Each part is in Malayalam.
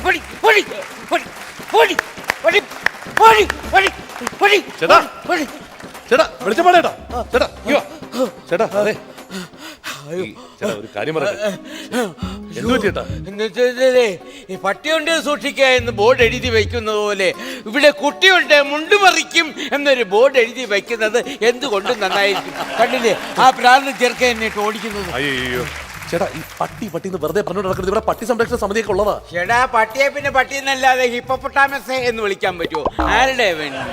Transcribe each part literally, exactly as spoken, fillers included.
ചേട്ടാ ചേട്ടാ വെളിച്ചപ്പാടേട്ടാ ചേട്ടാ ചേട്ടാ അതെ ചേട്ടാ ഒരു കാര്യം പറയട്ടെ. എന്തു ചേട്ടാ? ഈ പട്ടിയുണ്ട് സൂക്ഷിക്കുക എന്ന് ബോർഡ് എഴുതി വയ്ക്കുന്നത് പോലെ ഇവിടെ കുട്ടിയുണ്ട് മുണ്ടുമറിക്കും എന്നൊരു ബോർഡ് എഴുതി വയ്ക്കുന്നത് എന്തുകൊണ്ട് നന്നായിരിക്കും. കണ്ടില്ലേ ആ പ്രാന്ത് ചെറുക്കൻ എന്നിട്ട് ഓടിക്കുന്നത്. അയ്യോ ചേട്ടാ ഈ പട്ടി പട്ടി എന്ന് വെറുതെ പറഞ്ഞു നടക്കുന്നത്. ഇവിടെ പട്ടി സംരക്ഷണ സമിതിയൊക്കെ ഉള്ളതാ. ചേട്ടാ പട്ടിയെ പിന്നെ പട്ടി എന്നല്ലാതെ ഹിപ്പോപ്പൊട്ടാമസ് എന്ന് വിളിക്കാൻ പറ്റുമോ? ആരുടെ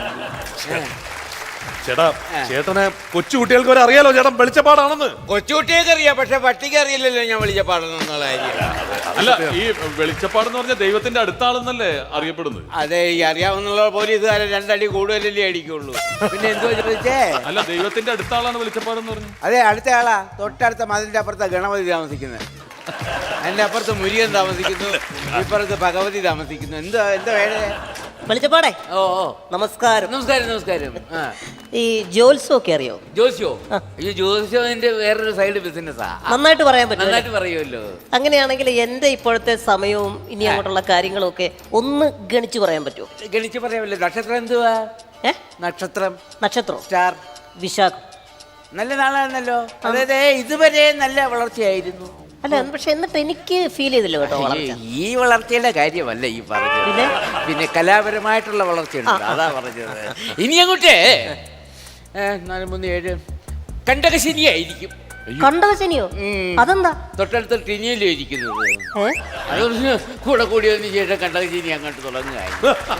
ചേട്ടാ ചേട്ടനെ കൊച്ചു കുട്ടികൾക്ക് വരെ അറിയാലോ ചേട്ടൻ വെളിച്ചപ്പാടാണെന്ന്. കൊച്ചുകുട്ടിയൊക്കെ അറിയാം, പക്ഷെ പട്ടിക്ക് അറിയില്ലല്ലോ ഞാൻ വെളിച്ചപ്പാടെന്നുള്ള കാര്യം. അല്ല ഈ വെളിച്ചപ്പാടെന്ന് പറഞ്ഞ ദൈവത്തിന്റെ അടുത്താളെന്നല്ലേ അറിയപ്പെടുന്നത്? അതെ, ഈ അറിയാവുന്ന പോലീസുകാരെ രണ്ടടി കൂടുതലല്ലേ അടിക്കുള്ളൂ. പിന്നെ എന്തുവാ ചോദിച്ചേ? അല്ല ദൈവത്തിന്റെ അടുത്താളാണ് വെളിച്ചപ്പാടെന്ന് പറഞ്ഞു. അതെ, അടുത്ത ആളാ. തൊട്ടടുത്ത മതിലിന്റെ അപ്പുറത്താ ഗണപതി താമസിക്കുന്നത്, അതിന്റെ അപ്പുറത്ത് മുരുകൻ താമസിക്കുന്നു, ഇപ്പുറത്ത് ഭഗവതി താമസിക്കുന്നു. എന്താ എന്താ വേണേ? വെളിച്ചപ്പാടേ. ഓ ഓ നമസ്കാരം. നമസ്കാരം നമസ്കാരം. ആ ഈ ജോത്സ്യം ഒക്കെ അറിയോ? ജോസ്യോ? ഈ ജോസ്യോന്റെ വേറൊരു സൈഡ് ബിസിനസ്സാ. നന്നായിട്ട് പറയാൻ പറ്റും. നന്നായിട്ട് പറയുമല്ലോ. അങ്ങനെയാണെങ്കിൽ എന്റെ ഇപ്പോഴത്തെ സമയവും ഇനി അങ്ങോട്ടുള്ള കാര്യങ്ങളും ഒക്കെ ഒന്ന് ഗണിച്ചു പറയാൻ പറ്റുമോ? ഗണിച്ച് പറയാമല്ലോ. നക്ഷത്രം എന്തുവാ? ഏ നക്ഷത്രം നക്ഷത്രം സ്റ്റാർ വിശാഖം. നല്ല നാളാണല്ലോ. അതായത് ഇതുവരെ നല്ല വളർച്ചയായിരുന്നു. അല്ല, പക്ഷെ എന്നിട്ട് എനിക്ക് ഫീൽ ചെയ്തില്ല കേട്ടോ വളർച്ച. ഈ വളർച്ചയുടെ കാര്യമല്ല ഈ പറഞ്ഞത്, പിന്നെ പിന്നെ കലാപരമായിട്ടുള്ള വളർച്ചയുണ്ട്, അതാ പറഞ്ഞത്. ഇനി അങ്ങോട്ടേ നാല് മൂന്ന് ഏഴ് കണ്ടകശനിയായിരിക്കും. കണ്ടകശനിയോ? അതെന്താ? തൊട്ടടുത്ത ടിനിയല്ലോ ഇരിക്കുന്നത്. ഏ അതൊന്ന് കൂടെ കൂടിയതിന് ശേഷം കണ്ടകശനി അങ്ങോട്ട് തുടങ്ങുകയായി.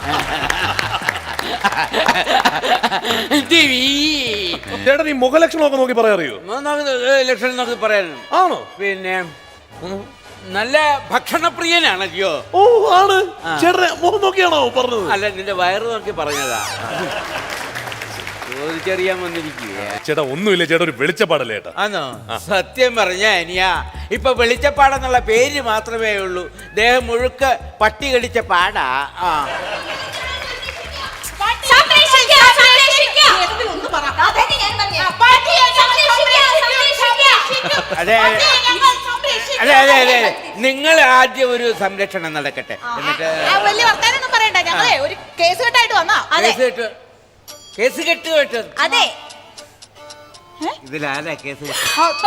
ചേട്ടൻ ഈ മുഖലക്ഷണമൊക്കെ നോക്കി പറയാറിയോ? ലക്ഷണം നോക്കി പറയാനും ആണോ? പിന്നെ നല്ല ഭക്ഷണപ്രിയനാണല്ലോ. ഓ ആണ്. ചേട്ടനെ മുഖം നോക്കിയാണോ പറഞ്ഞത്? അല്ല, നിന്റെ വയറ് നോക്കി പറഞ്ഞതാ. ചോദിച്ചറിയാൻ വന്നിരിക്കുക. ചേട്ടാ ഒന്നുമില്ല ചേട്ടാ, ഒരു വെളിച്ചപ്പാടല്ലേ ചേട്ടാ. ആണോ? സത്യം പറഞ്ഞ അനിയാ, ഇപ്പൊ വെളിച്ചപ്പാടെന്നുള്ള പേര് മാത്രമേ ഉള്ളൂ. ദേഹം മുഴുക്ക പട്ടി കടിച്ച പാടാ. ആ അതെ അതെ അതെ അതെ നിങ്ങൾ ആദ്യം ഒരു സംരക്ഷണം നടക്കട്ടെ, എന്നിട്ട് വലിയ വർത്താനൊന്നും പറയണ്ട. ഞങ്ങളെ ഒരു കേസ് കെട്ടായിട്ട് വന്നാ. കേസ് കെട്ട് കേസ് കെട്ട് കേട്ടത്. അതെ, ഇതിലാരാ കേസ് കെട്ട്?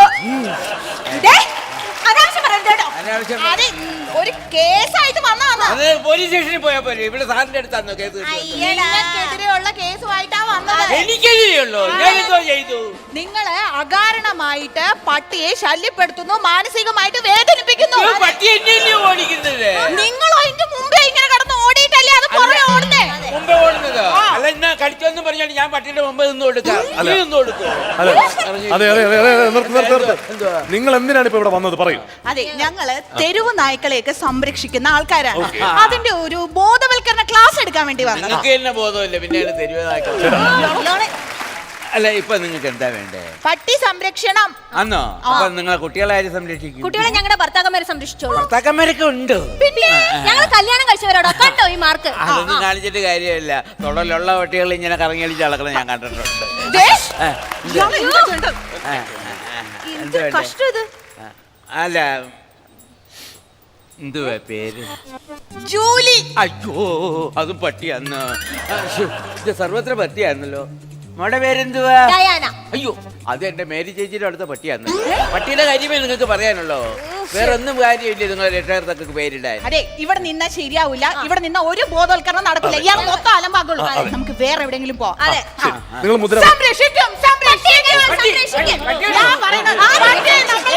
അനാവശ്യം ഒരു കേസായിട്ട് വന്നാ. അത് പോലീസ് സ്റ്റേഷനിൽ പോയാ പോലെ. ഇവിടെ സാറിന്റെ അടുത്താണോ കേസ്? നിങ്ങൾക്കെതിരെയുള്ള കേസുമായിട്ടാ വന്നത്. എനിക്കെതിരെയുള്ളൂ? ഞാൻ എന്തോ ചെയ്തു? നിങ്ങള് അകാരണമായിട്ട് പട്ടിയെ ശല്യപ്പെടുത്തുന്നു, മാനസികമായിട്ട് വേദനിപ്പിക്കുന്നു. പട്ടി എന്നെയല്ലേ ഓടിക്കുന്നത്? നിങ്ങൾ അതിന്റെ മുമ്പേ ഇങ്ങനെ കിടന്ന് ഓടിയിട്ടല്ലേ അത് പുറമെ ഓടുന്നേ? മുമ്പേ ഓടുന്നത്? അല്ല, എന്നാ കടിച്ചോന്ന് പറഞ്ഞാൽ ഞാൻ പട്ടിയുടെ മുമ്പ് നിന്ന് കൊടുക്കാം. നിന്ന് കൊടുക്കോ? അതെ അതെ അതെ അതെ. നിങ്ങൾ എന്തിനാണ് ഇപ്പൊ ഇവിടെ വന്നത് പറയൂ. അതെ, ഞങ്ങള് തെരുവ് നായ്ക്കളെയൊക്കെ സംരക്ഷിക്കുന്ന ആൾക്കാരാണ്. അതിന്റെ ഒരു ബോധവൽക്കരണ ക്ലാസ് എടുക്കാൻ വേണ്ടി വന്നത്. നിങ്ങൾക്ക് തന്നെ ബോധമില്ല, പിന്നെ തെരുവ് നായ്ക്കൾ. അല്ല, ഇപ്പൊ നിങ്ങൾക്ക് എന്താ വേണ്ടേ? പട്ടി സംരക്ഷണം. ആന്നോ? അപ്പൊ നിങ്ങളെ കുട്ടികളെ ആര് സംരക്ഷിക്കും? കുട്ടികളെ ഞങ്ങളുടെ ഭർത്താക്കന്മാരെ സംരക്ഷിച്ചോളൂ. ഭർത്താക്കന്മാരൊക്കെ ഉണ്ട്. പിന്നെ ഞങ്ങൾ കല്യാണം കഴിച്ചവരോടോ? കണ്ടോ ഈ മാർക്ക്? അതൊന്നും കാണിച്ചിട്ട് കാര്യമില്ല. തൊടലുള്ള പട്ടികൾ ഇങ്ങനെ കറങ്ങി അടിച്ച് അളക്കണം ഞാൻ കണ്ടിട്ടുണ്ട്. കഷ്ടം ഇത്. അല്ല, എന്തുവാ പേര്? ജൂലി. അയ്യോ, അതും പട്ടിയാന്ന്. ഇത് സർവത്ര പട്ടിയാന്നല്ലോ. മോടെ പേരെന്തുവാ? ഡയാന. അയ്യോ, അത് എന്റെ മേരി ചേച്ചിയുടെ അടുത്ത പട്ടിയാന്ന്. പട്ടിയുടെ കാര്യമേ നിങ്ങൾക്ക് പറയാനുള്ളോ? വേറെ ഒന്നും കാര്യമില്ല നിങ്ങൾ രക്ഷകർത്താക്കൾക്ക് പേരിടാൻ. അതെ, ഇവിടെ നിന്നാ ശരിയാവില്ല. ഇവിടെ നിന്ന ഒരു ബോധവൽക്കരണം നടക്കില്ല. ഇയാൾ മൊത്തം അലമ്പാകുള്ളൂ. നമുക്ക് വേറെ എവിടെയെങ്കിലും പോവാം. അതെ, നിങ്ങൾ മുദ്ര സംരക്ഷിക്കും, സംരക്ഷിക്കും. ഞാൻ പറയുന്നത്